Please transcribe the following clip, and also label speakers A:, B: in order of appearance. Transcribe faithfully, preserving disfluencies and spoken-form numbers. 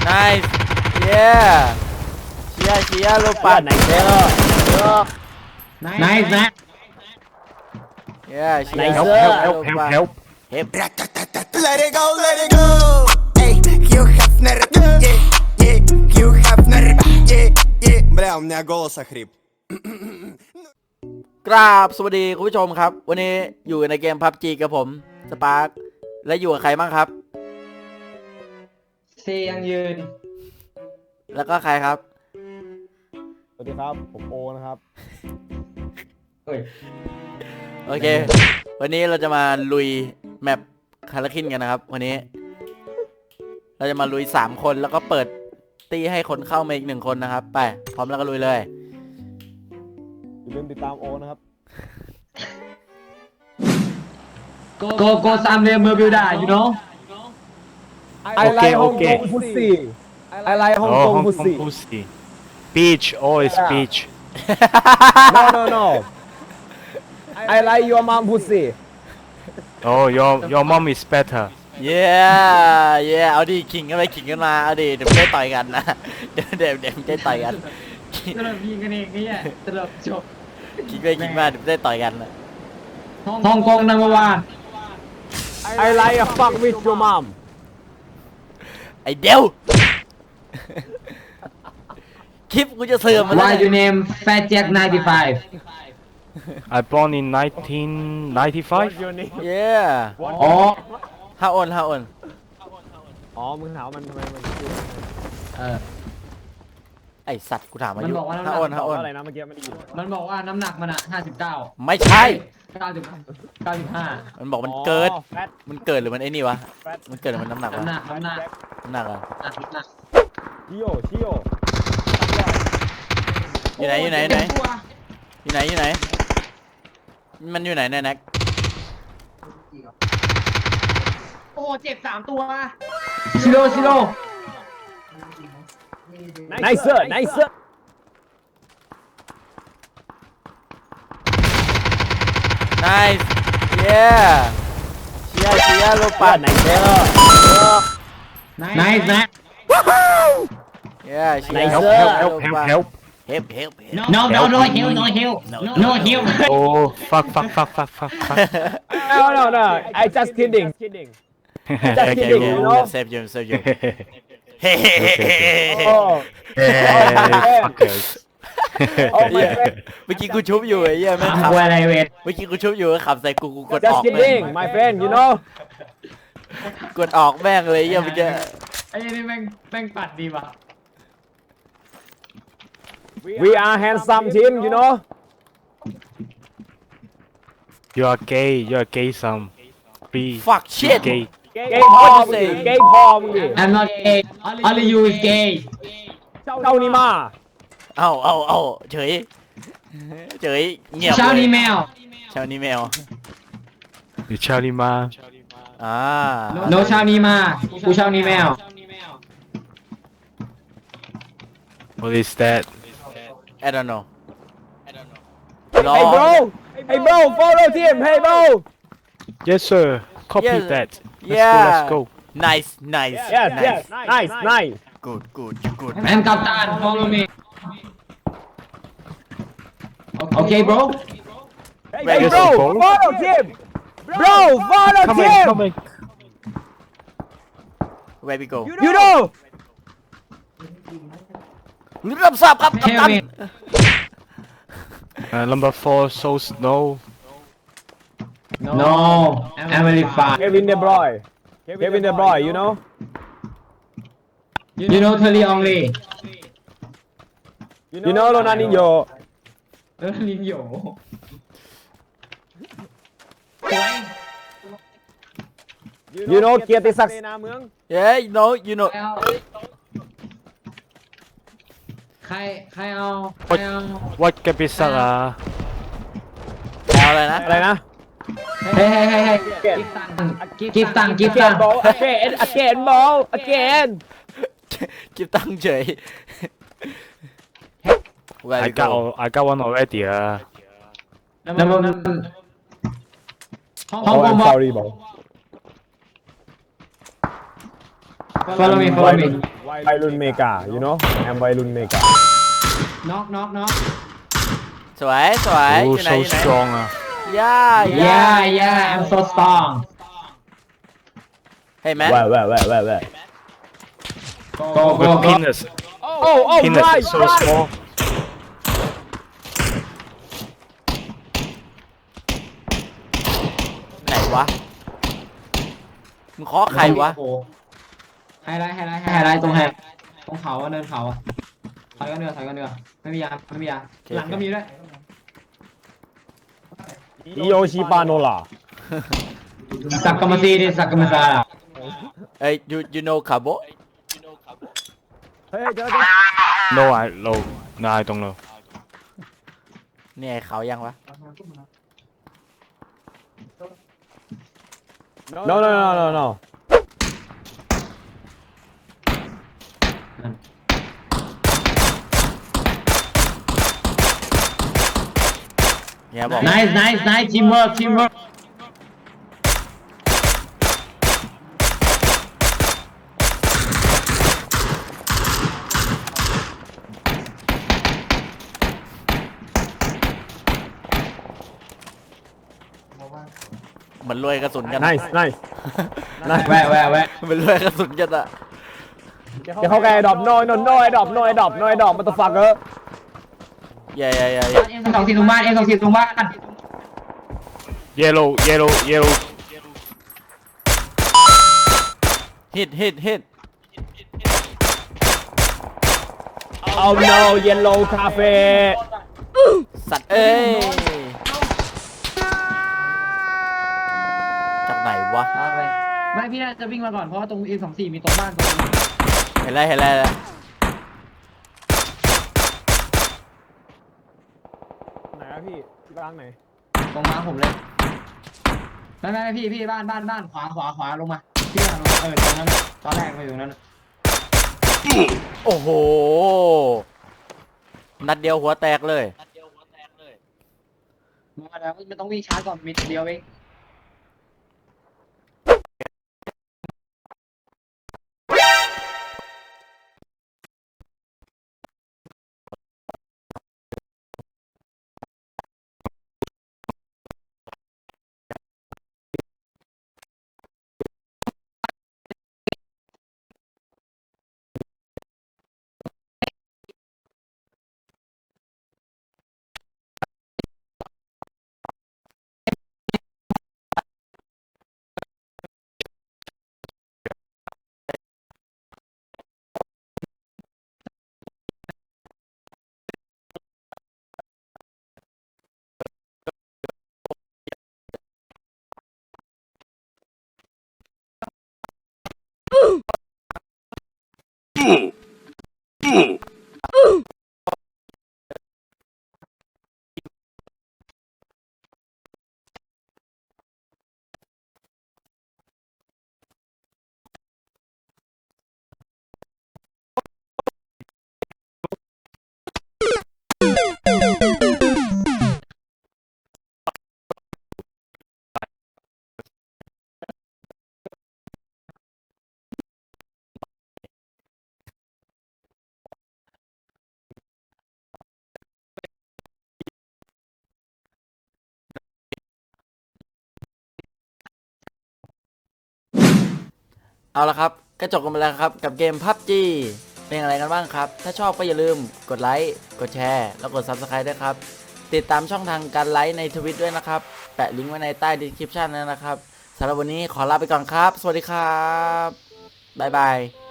A: nice yeah เชียร์เชียร์ลูกปัด
B: nice
C: nice นะ
A: yeah เชียร์
B: help
A: help
B: help help help
A: help
D: Let it go, let it go. Ey, you have nerve. Yeah, yeah, you have nerve. Yeah, yeah. Бля, у меня голос охрип.
A: กราบสวัสดีคุณผู้ชมครับวันนี้อยู่ในเกม พับจี กับผมสปาร์คและอยู่กับใครบ้างครับ
C: เซยังยืน
A: แล้วก็ใครครับ
B: สวัสดีครับผมโอนะครับ
C: เฮ้ย
A: โอเค วันนี้เราจะมาลุยแมปคาราคินกันนะครับวันนี้ เราจะมาลุยสามคนแล้วก็เปิดตีให้คนเข้ามาอีกหนึ่งคนนะครับไปพร้อมแล้วก็ลุยเลย
B: อย่าลืมติดตามโอนะครับ
C: โกโก้ซามเรมเบอร์บิวดา you know
B: I like Hong Kong pussy I like Hong Kong pussy
E: pussy. Beach, always
B: Yeah.
E: beach.
B: no no no I like your mom pussy
E: Oh, your your mom is better.
A: เย้เย้เอาดิขิงกันไปขิงกันมาเอาดิเดี๋ยวไม่ได้ต่อยกันนะเดี๋ยวเดี๋ยวเดี๋ยวไม่ได้ต่อยกัน
C: ตลบยิงกันเองเนี่ยตลบจบ
A: ขิงไปขิงมาเดี๋ยวไม่ได้ต่อยกันนะ
C: ฮ่องกงนัมเบอร์วัน
B: I like a fuck with your mom
A: ไอเดียวคลิปกูจะเสื่อมมัน
C: Why you name Fat Jack ไนน์ตี้ไฟว์
E: I born in nineteen ninety-five.
B: What's your name
A: เย้
C: อ๋อ
A: ฮาออนฮาออน
B: อ๋อมึงถามมันทำไมมันชื่อ
C: เออ
A: ไอสัตว์กูถามอา
C: มัน
A: ยุ
C: บอกว่า
A: ฮาออนฮาออน
B: อะไรนะเมื่อกี้ไม่ได้ยิน
C: มันบอกว่าน้ำหนักมันอะห้าสิบเก้า
A: ไม่ใช่
C: เก้าสิบเก้าสิบห้า
A: มันบอกมันเกิด
B: อ๋อ fat
A: มันเกิดหรือมันไอ้นี่วะ
B: fat
A: มันเกิดหรือมันน้ำหนักวะ
C: น้ำหนักน้ำหนัก
A: น้ำหนักเหรอ
C: น้ำหนัก
B: ชิโอชิโอ
A: อยู่ไหนอยู่ไหนอยู่ไหนอยู่ไหนอยู่ไหนมันอยู่ไหนเนี่ยแน็ก
C: โอ้เจ็บสามตัวซิโร่ซิโร่
B: nicer nicer
A: nice yeah เชียร์เชียร์ลูกปัด
B: nicer
C: nice นะ
A: yeah เชียร์
B: Nice
E: Help, help, help, help, help.
A: help help help
C: no no no heal no heal no heal
E: Oh, fuck, fuck, fuck, fuck, fuck, fuck.
B: no no no I just kidding
A: okay
B: kidding,
A: okay
B: you know?
A: save you save you
B: oh
E: Hey, fuckers.
B: oh my friend
A: เมื่อกี้กูชุบอยู่ไอ้เหี้ยแม่งขับ
C: กูอะไรเวท
A: เมื่อกี้กูชุบอยู่ก็ขับใส่กูกูกดอ
B: just
A: อกแม่ง
B: kidding my friend you know
A: กดออกแม่งเลยไอ้เหี้ยเมื่อกี้
C: ไอ้นี่แม่งแม่งปัดดีว่ะ
B: we are handsome team you know
E: You are gay, you are gay some. Be
A: fuck shit
E: gay.
B: เกย์พอมึงดิเกย์พอมึงดิ
C: I'm not gay only you is gay
B: เจ้านี่มา
A: เอาเอาเอาเฉยเฉยเงียบ
C: เช้านี้แมว
A: เช้านี้แมว
E: You Charlie Ma.
A: อ่า
C: โนเช้านี้มากูเช้านี้แมว
E: What is that?
A: I don't know รอ
B: hey bro hey bro follow team hey bro
E: Yes, sir. Copy
A: Yes.
E: that. Let's
A: Yeah.
E: go, let's go.
A: nice nice
B: yes
A: nice
B: yes nice nice
A: good good good
C: แอมกับตาน follow me โอเค bro
B: hey
E: Yes,
B: bro
E: bro.
B: follow team bro follow
E: Come in,
B: team
E: come in.
A: where we go
B: you know
A: รับทราบครับกัป
C: Tell
A: ตัน
C: me
E: Uh, number four, so snow.
C: no I'm very far
B: Kevin De Bruyne Kevin De Bruyne you know
C: you know Terry Only
B: you know Ronaldinho
C: เออลินโย
B: you know เกียรติศักดิ์เสนาเมือง
A: yeah you know you know
C: ใครใครเอาใครเอา
E: What Capisara?
A: เอาอะไรนะ
B: อะไรนะ
C: เฮ้ยเฮ้ยเฮ้ยเฮ้ยกิฟตังกิฟตังกิฟตัง
B: again ball again again ball again
A: กิบตังค์เฉย where
E: I
A: we
E: got,
A: go
E: al- I got one already. Uh.
C: น้ำมันห้อง
B: oh
C: ห้อง
B: I'm
C: บอก
B: sorry bro
C: follow me follow me
B: วัยรุ่นเมกา you know I'm วัยรุ่นเมกา
C: knock knock knock
A: สวยสวยอ
E: Oh,
A: ยู่ไหน
E: so
A: อยู่ไหน
E: strong. Uh.
A: ย่า
C: yeah yeah I'm so strong
A: เฮ้ยแมน
B: แว่แว่แว่แว่แว่
C: go go
E: But
C: go
E: penis,
B: oh oh
E: penis
B: right
E: is so
B: right
E: small.
A: ไหนวะมึงเคาะใครวะ
C: โอ้โหไฮไลท์ไฮไลท์ไฮไลท์ตรงแฮตรงเขาอะเนินเขาอะถอยกันเนือถอยกันเนือไม่มียาไม่มียาหลังก็มีด้วย
B: อิโยชิปาโนล่า
C: สักกรรมซีดิสักกรรมซา
A: เอ้ย you you know คาโบ
B: เฮ้ยเจอเจอ
E: No, I no, no, I don't know.
A: เนี่ยเขายังวะ
B: no no no no no
A: เนี่ยบอก
C: nice nice nice teamwork teamwork
A: เหมือนรวยกระสุนกัน
B: nice nice
C: แวะแวะแวะ
A: เหมือนรวยกระสุนกันอะ
B: เดี๋ยวเขาแกดรอปน้อยน้อยน้อยดรอปน้อยดรอปน้อยดรอปมันต้องฟังเออ
A: อย่าอย่าอย่าอย่า
C: เอ็มสองสี่ตรงบ้านเอ็มสองสี่ตรงบ้าน
E: Yellow, yellow, yellow.
A: ฮิตฮิตฮิต
B: เอา no yellow cafe
A: สัตว์เอ้ยจากไหนวะ
C: ไปไม่พี่น่าจะวิ่งมาก่อนเพราะว่าตรงเอ็มสองสี่มีตรงบ้านตรงนี้
A: เห็นไรเห็นไรแล้ว
B: ไหนอะพี่ที่บ้านไหน
C: ตรงมาผมเลยไม่ไม่ไม่พี่พี่บ้านบ้านบ้านขวาขวาขวาลงมาพี่ลงมาเออตรงนั้นตอนแรกมาอยู่ตรงนั้น
A: โอ้โหนัดเดียวหัวแตกเลย
C: มาแล้วไม่ต้องวิ่งช้าก่อนมีเดียวเอง
A: เอาละครับก็จบกันไปแล้วครับกับเกม พับจี เป็นอะไรกันบ้างครับ ถ้าชอบก็อย่าลืมกดไลค์กดแชร์แล้วกด ซับสไครบ์ ด้วยครับติดตามช่องทางการไลค์ในทวิตด้วยนะครับแปะลิงก์ไว้ในใต้ดีสคริปชันนะครับสำหรับวันนี้ขอลาไปก่อนครับสวัสดีครับบ๊ายบาย